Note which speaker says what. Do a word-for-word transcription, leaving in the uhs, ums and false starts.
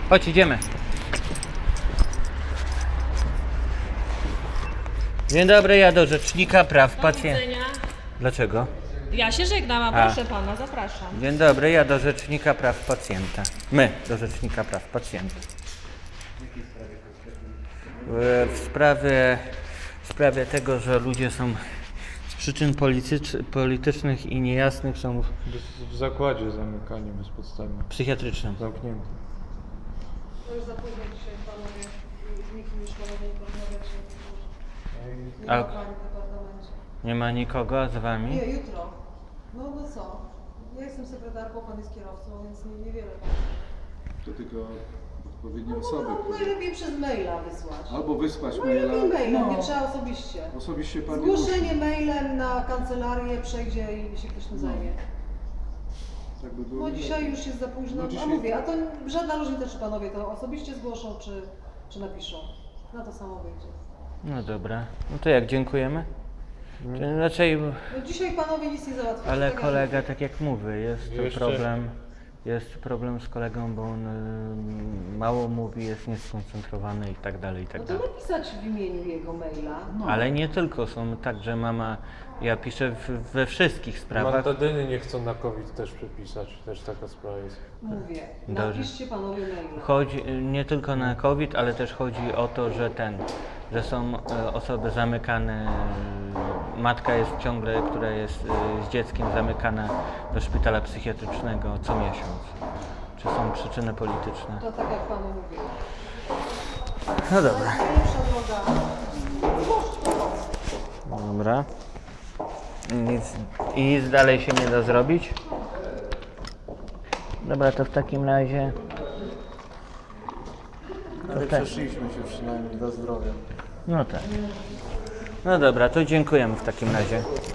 Speaker 1: Chodź, idziemy. Dzień dobry, ja do Rzecznika Praw Pacjenta. Dlaczego?
Speaker 2: Ja się żegnam, a
Speaker 1: A.
Speaker 2: proszę pana, zapraszam.
Speaker 1: Dzień dobry, ja do Rzecznika Praw Pacjenta. My do Rzecznika Praw Pacjenta. W- W sprawie, w sprawie tego, że ludzie są z przyczyn politycz, politycznych i niejasnych są
Speaker 3: W zakładzie zamykanie bezpodstawne.
Speaker 1: psychiatrycznym.
Speaker 3: Zamknięte.
Speaker 4: To już za późno dzisiaj panowie, z nikim już panowie nie porozmawiać. Nie
Speaker 1: A-
Speaker 4: ma pani w departamencie.
Speaker 1: Nie ma nikogo z wami?
Speaker 4: Nie, jutro. No, no co? Ja jestem sekretarką, pan jest kierowcą, więc nie, niewiele.
Speaker 5: To tylko odpowiednie
Speaker 4: No,
Speaker 5: osoby,
Speaker 4: no,
Speaker 5: które...
Speaker 4: najlepiej przez maila wysłać.
Speaker 5: Albo wysłać maila,
Speaker 4: Najlepiej mailem,
Speaker 2: No.
Speaker 4: nie trzeba osobiście.
Speaker 5: osobiście pani
Speaker 4: Zgłoszenie
Speaker 5: musi.
Speaker 4: mailem na kancelarię przejdzie i się ktoś tym zajmie.
Speaker 5: Tak by było
Speaker 4: No
Speaker 5: lepiej.
Speaker 4: dzisiaj już jest za późno,
Speaker 5: No dzisiaj-
Speaker 4: a mówię, a to żadna różnica, czy panowie to osobiście zgłoszą, czy, czy napiszą. Na to samo wyjdzie.
Speaker 1: No dobra. No to jak, dziękujemy? Czy Raczej,
Speaker 4: No dzisiaj panowie nic nie załatwią.
Speaker 1: ale
Speaker 4: tak jak
Speaker 1: kolega,
Speaker 4: mówię.
Speaker 1: tak jak mówię, jest to
Speaker 3: Jeszcze-
Speaker 1: problem. Jest problem z kolegą, bo on y, mało mówi, jest nieskoncentrowany i tak dalej, i tak
Speaker 4: No to
Speaker 1: dalej.
Speaker 4: napisać w imieniu jego maila.
Speaker 1: Ale nie tylko, są tak, że mama, ja piszę w, we wszystkich sprawach.
Speaker 3: Mantadyny nie chcą na COVID też przepisać, też taka sprawa jest.
Speaker 4: Mówię,
Speaker 1: Dobrze.
Speaker 4: napiszcie panowie maila.
Speaker 1: Chodzi y, nie tylko na COVID, ale też chodzi o to, że ten, że są y, osoby zamykane, y, matka jest ciągle, która jest y, z dzieckiem zamykana do szpitala psychiatrycznego co miesiąc. Czy są przyczyny polityczne?
Speaker 4: To tak jak panu mówię.
Speaker 1: No dobra.
Speaker 4: Najlepsza droga. Zgłoś to.
Speaker 1: Dobra. Nic, I nic dalej się nie da zrobić? Dobra, to w takim razie...
Speaker 5: Ale
Speaker 1: tak.
Speaker 5: przeszliśmy się przynajmniej dla zdrowia.
Speaker 1: No tak. No dobra, to dziękujemy w takim razie.